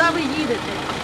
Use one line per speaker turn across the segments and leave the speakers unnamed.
куди ви їдете?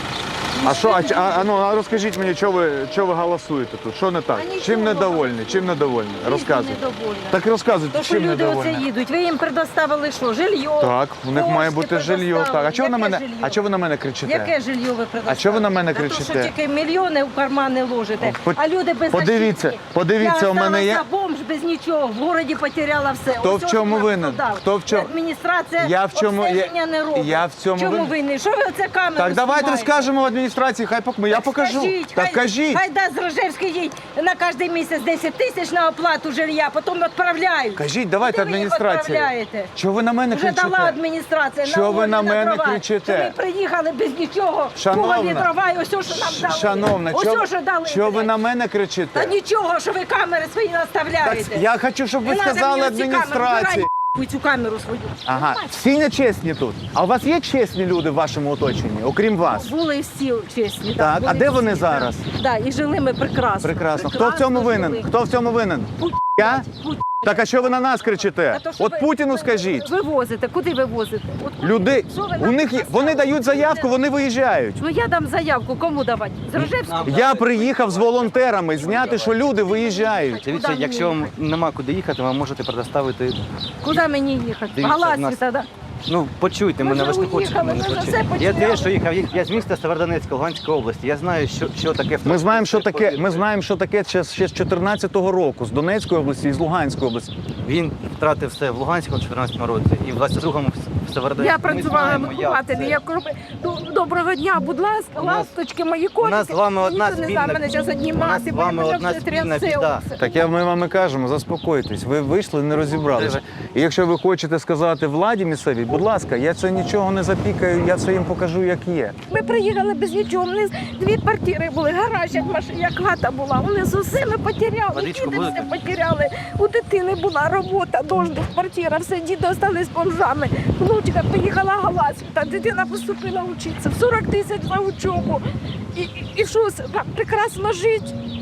А що, а розкажіть мені, що ви голосуєте тут? Що не так?
А нічого.
Чим недовольні? Чим недовольні? Розказуйте.
Недовольна.
Так розказуйте,
То, що
чим
люди оце
недовольні?
їдуть, ви їм предоставили що? Жилье?
Так, у них має
кошти
бути жилье. Так,
предоставили.
а чого ви на
Яке
мене?
жилье?
А чого ви на мене кричите?
Яке жилье ви предоставили?
А чого ви на мене
Та то,
кричите?
що тільки мільйони в кармани ложите, а люди без
Подивіться,
я
у мене є.
Я бомж без нічого, в городі потеряла все.
Хто
Ось
в чому
ось
винен?
дав.
Хто в чому?
Адміністрація
Я в чому-
обстеження не робить.
я в цьому
Чому
винен?
винні? Що ви оце камеру
Так, давайте
знімаєте?
скажемо в адміністрації, хай я покажу.
Скажіть,
Так кажіть.
Хай дасть Рожевський їй на кожен місяць 10 тисяч на оплату жилья, потім відправляють.
Кажіть, давайте
Куди ви їх
адміністрації.
відправляєте?
Чого ви на мене
Вже
кричите?
дала адміністрація.
Що ви
волі,
на мене
дрова.
кричите?
Що ми приїхали без нічого,
Шановна.
полові дрова, і ось що нам дали.
Шановна,
Ось що дали.
що ви
блядь.
на мене
Та
кричите?
нічого, що ви камери свої
Так,
наставляєте.
я хочу, щоб ви
Не надо
сказали
мені оці камери,
адміністрації.
вбирай цю камеру свою.
Ага, всі нечесні тут. А у вас є чесні люди в вашому оточенні, окрім вас?
Були всі чесні.
Так,
були
а де
всі,
вони
так.
зараз?
Так, і жили ми прекрасно.
Прекрасно. Хто в цьому винен?
жили.
Хто в цьому винен?
Путін.
Я?
Путін.
Так а що ви на нас кричите?
А то, що
От
ви-
Путіну
ви
скажіть.
Вивозите. Куди ви возите? От куди?
Люди,
Що ви
у
нам
них є, вони
поставили?
дають заявку, вони виїжджають.
Ну я дам заявку, кому давати? З Рожевського?
Я приїхав з волонтерами зняти, що люди виїжджають.
Дивіться,
Куди
якщо
мені
вам нема куди їхати, ви можете предоставити.
Куди мені їхати?
Дивіться, в
Галасі
нас-
тоді.
Ну, почуйте
Ми
мене,
вже
ви ж не хочете
уїхали,
мене
ми вже
почути.
все
Я
потеряли.
тільки що їхав, я з міста Северодонецька, Луганської області. Я знаю, що таке
Ми знаємо, що таке. Ми знаємо, що таке ще з 14-го року, з Донецької області і з Луганської області.
Він втратив все в Луганську в 14-му році і в 22-му в Северодонецьку.
Я працювала
Ми знаємо, як
вихователем.
це.
Я кажу, доброго дня, будь ласка,
У нас-
ласточки, мої
У
котики.
нас з вами одна
Ніхто не
спільна
знає, мене зараз одні
у нас
маси,
з вами
мене
одна
все
спільна
трясе
біда.
оце.
Так ми вам і кажемо, заспокойтесь. Ви вийшли, не розібралися. І якщо ви хочете сказати владі місцевій, будь ласка, я це нічого не запікаю, я це їм покажу, як є.
Ми приїхали без нічого, у нас дві квартири були, гараж, як хата була. Вони з усіми потеряли,
Водичку
діти все
будете?
потеряли. У дитини була робота, дошка, квартира, все, діти залишились бомжами. Внучка поїхала галасі, та дитина поступила вчитися, в 40 тисяч за учобу. І що, прекрасно жити.